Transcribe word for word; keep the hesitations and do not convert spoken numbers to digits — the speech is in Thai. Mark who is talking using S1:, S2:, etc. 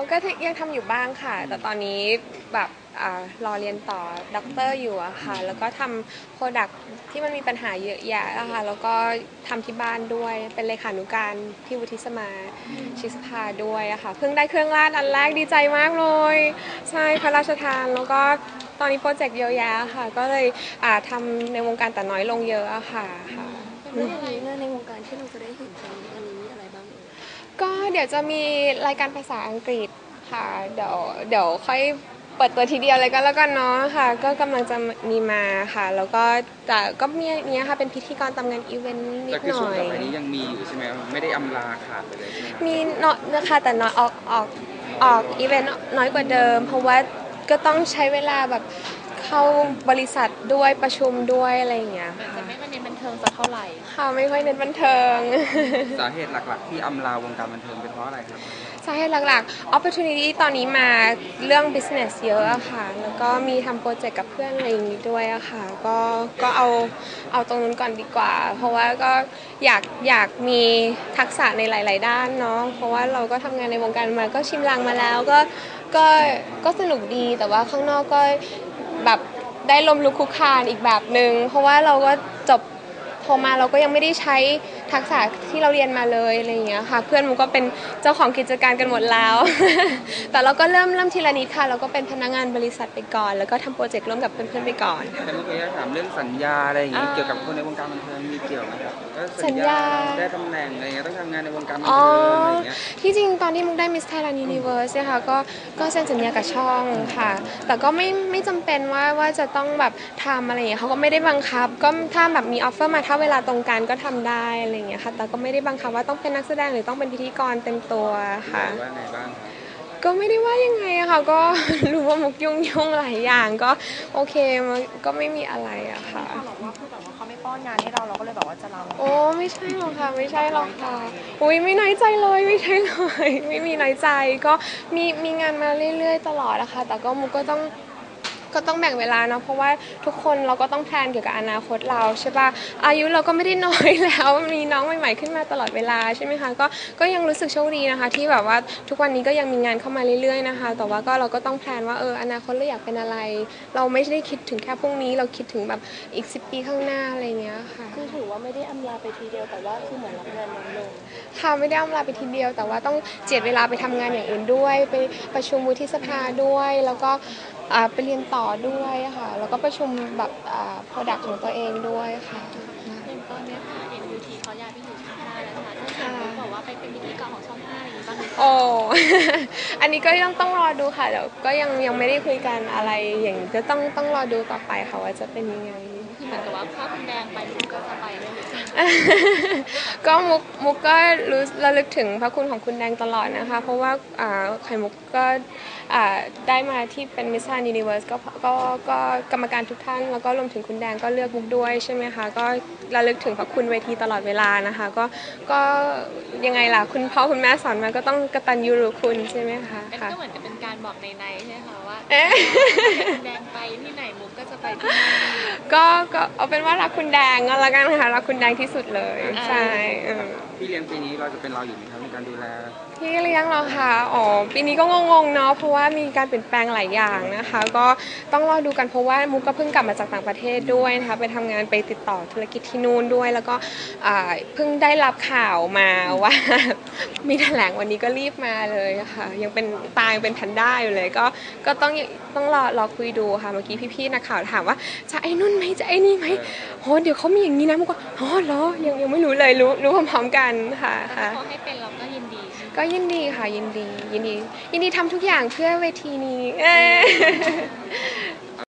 S1: ก็ยังทำอยู่บ้างค่ะแต่ตอนนี้แบบอ่ารอเรียนต่อด็อกเตอร์อยู่อะค่ะแล้วก็ทำโปรดักที่มันมีปัญหาเยอะแยะอะค่ะแล้วก็ทำที่บ้านด้วยเป็นเลขานุการที่วุฒิสมาชิกสภาด้วยอะค่ะเพิ่งได้เครื่องราชอันแรกดีใจมากเลยใช่พระราชทานแล้วก็ตอนนี้โปรเจกต์เยอะแยะค่ะก็เลยอ่าทำในวงการแต่น้อยลงเยอะอะค่ะค่ะ
S2: แล้วอย่างนี้งานในวงการที่เราจะได้เห็นตอนนี้อันนี้มีอะไรบ้างเอ่ย
S1: ก็เดี๋ยวจะมีรายการภาษาอังกฤษค่ะเดี๋ยวเดี๋ยวค่อยเปิดตัวทีเดียวเลยก็แล้วกันเนาะค่ะก็กำลังจะมีมาค่ะแล้วก็แต่ก็มีเนี้ยค่ะเป็นพิธีกรตามงานอีเวนต์นิดหน่อยแต่คือช่วงต่อไปนี้ยังมีอยู่ใช่ไหมไม่ได้อำลาขาดไปเลยใช่ไหมมีเนาะนะคะแต่น้อยออกออกออกอีเวนต์น้อยกว่าเดิมเพราะว่าก็ต้องใช้เวลาแบบเข้าบริษัทด้วยประชุมด้วยอะไรอย่างเงี้ย
S2: จะไม่ค่อยเน้นบันเทิงสักเท่าไหร่
S1: ค่ะไม่ค่อยเน้นบันเทิง
S3: สาเหตุหลักๆที่อำลาวงการบันเทิงเป็นเพราะอะไรครับ
S1: สาเหตุหลักๆ opportunity ตอนนี้มาเรื่อง business เยอะอะค่ะแล้วก็มีทำโปรเจกต์กับเพื่อนอะไรอย่างนี้ด้วยอะค่ะก็ก็เอาเอาตรงนู้นก่อนดีกว่าเพราะว่าก็อยากอยากมีทักษะในหลายๆด้านเนาะเพราะว่าเราก็ทำงานในวงการมาก็ชิมลางมาแล้วก็ก็ก็สนุกดีแต่ว่าข้างนอกก็แบบได้ลมลุกคุกคานอีกแบบหนึ่งเพราะว่าเราก็จบโทรมาเราก็ยังไม่ได้ใช้ทักษะที่เราเรียนมาเลยอะไรอย่างเงี้ยค่ะเพื่อนมันก็เป็นเจ้าของกิจการกันหมดแล้ว แต่เราก็เริ่มเริ่มทีละนิดค่ะเราก็เป็นพนักงานบริษัทไปก่อนแล้วก็ทำโปรเจกต์ร่วมกับเพื่อนๆไปก่อน
S3: แต่เมื่อกี้ถามเรื่องสัญญาอะไรอย่างเงี้ยเกี่ยวกับคนในวงการบันเทิงมีเกี่ยวไหมครับ
S1: สัญญา
S3: ได้ตำแหน่งอะไรเงี้ยต้องทำงานในวงการบันเทิงอะไรเงี้ย
S1: ที่จริงตอนที่มุกได้ Miss Thailand Universe เนี่ยค่ะก็ก็เซ็นสัญญากับช่องค่ะแต่ก็ไม่ไม่จำเป็นว่าว่าจะต้องแบบทำอะไรอย่างเงี้ยเขาก็ไม่ได้บังคับก็ถ้าแบบมีออฟเฟอร์มาถ้าเวลาตรงกันก็ทำได้อะไรอย่างเงี้ยค่ะแต่ก็ไม่ได้บังคับว่าต้องเป็นนักแสดงหรือต้องเป็นพิธีกรเต็มตัวค่ะ
S3: ว่าไงบ้าง
S1: ก็ไม่ได้ว่ายังไงอะค่ะก็รู้ว่ามุกยุ่งยุ่งหลายอย่างก็โอเคมันก็ไม่มีอะไรอะค่ะ
S2: เขาบอกว่าคือแบบว่าเขาไม่ป้อนงานให้เราเราก็เลยแบบว่าจะลา
S1: โอ้ไม่ใช่หรอกค่ะไม่ใช่หรอกค่ะอุ้ยไม่น้อยใจเลยไม่ใช่เลยไม่มีน้อยใจก็มีมีงานมาเรื่อยๆตลอดนะคะแต่ก็มุกก็ต้องก็ต้องแบ่งเวลาเนาะเพราะว่าทุกคนเราก็ต้องแพลนเกี่ยวกับอนาคตเราใช่ป่ะอายุเราก็ไม่ได้น้อยแล้วมีน้องใหม่ๆขึ้นมาตลอดเวลาใช่ไหมคะก็ก็ยังรู้สึกโชคดีนะคะที่แบบว่าทุกวันนี้ก็ยังมีงานเข้ามาเรื่อยๆนะคะแต่ว่าก็เราก็ต้องแพลนว่าเอออนาคตเราอยากเป็นอะไรเราไม่ได้คิดถึงแค่พรุ่งนี้เราคิดถึงแบบอีกสิบปีข้างหน้าอะไรเงี้ยค่ะ
S2: คือถือว่าไม่ได้อำลาไปทีเดียวแต่ว่าคือเหมือนรับงานน้อยลง
S1: ค่ะไม่ได้อำลาไปทีเดียวแต่ว่าต้องเจียดเวลาไปทำงานอย่างอื่นด้วยไปประชุมวุฒิสภาด้วยแล้วก็ไปเรียนต่อด้วยค่ะแล้วก็ประชุมแบบโปรดักต์ของตัวเองด้วยค่ะ
S2: อย่างตอนนี้ค่ะ เอ็ม ยู ที เขาย้ายไปอยู่ช่องห้าแล้วค่ะถ้าเกิดบอกว่าไปเป็นพิธีกรของช่องห้าอะไรอย่างนี้บ้างไหม
S1: โอ้ อันนี้ก็ยังต้องรอดูค่ะเดี๋ยวก็ยังยังไม่ได้คุยกันอะไรอย่างนี้ก็ต้องต้องรอดูต่อไปค่ะว่าจะเป็นยังไง
S2: คือเหมือนกับว่าถ้าคุณแดงไปมุกก็จะไปด้วย
S1: ก็มุกมุกก็รู้ระลึกถึงพระคุณของคุณแดงตลอดนะคะเพราะว่าไข่มุกก็ได้มาที่เป็น Miss Thailand Universe ก็ก็ก็กรรมการทุกท่านแล้วก็รวมถึงคุณแดงก็เลือกมุกด้วยใช่ไหมคะก็ระลึกถึงพระคุณเวทีตลอดเวลานะคะก็ก็ยังไงล่ะคุณพ่อคุณแม่สอนมาก็ต้องกตัญญูรู้คุณใช่ไหมคะ
S2: ค่ะก็เหมือนจะเป็นการบอกในในใช่ไหมคะว่าคุณแดงไปที่ไหนมุกก็จะไปที่นั่น
S1: ก็ก็เอาเป็นว่ารักคุณแดงก็แล้วกันค่ะรักคุณแดงที่สุดเลยใช่
S3: พี่เลี้ยงปีนี้เราจะเป็นเราอยู่ไหมครับในการดูแล
S1: พี่เลี้ยงเราค่ะอ๋อปีนี้ก็งงๆเนาะเพราะว่ามีการเปลี่ยนแปลงหลายอย่างนะคะก็ต้องรอดูกันเพราะว่ามุกก็เพิ่งกลับมาจากต่างประเทศด้วยนะคะไปทำงานไปติดต่อธุรกิจที่นู่นด้วยแล้วก็เพิ่งได้รับข่าวมาว่ามีแถลงวันนี้ก็รีบมาเลยค่ะยังเป็นตายเป็นแพนด้าอยู่เลยก็ก็ต้องต้องรอรอคุยดูค่ะเมื่อกี้พี่ๆนักข่าวถามว่าจะไอ้นุ่นไหมจะไอ้นี่ไหมโหเดี๋ยวเขามีอย่างนี้นะมุกก็อ๋อเหรอยังยังไม่รู้เลยรู้รู้พร้อมๆกันค่ะ
S2: ค่ะเขาให้เป็นเราก็ยินดี
S1: ก็ยินดีค่ะยินดียินดียินดีทำทุกอย่างเพื่อเวทีนี้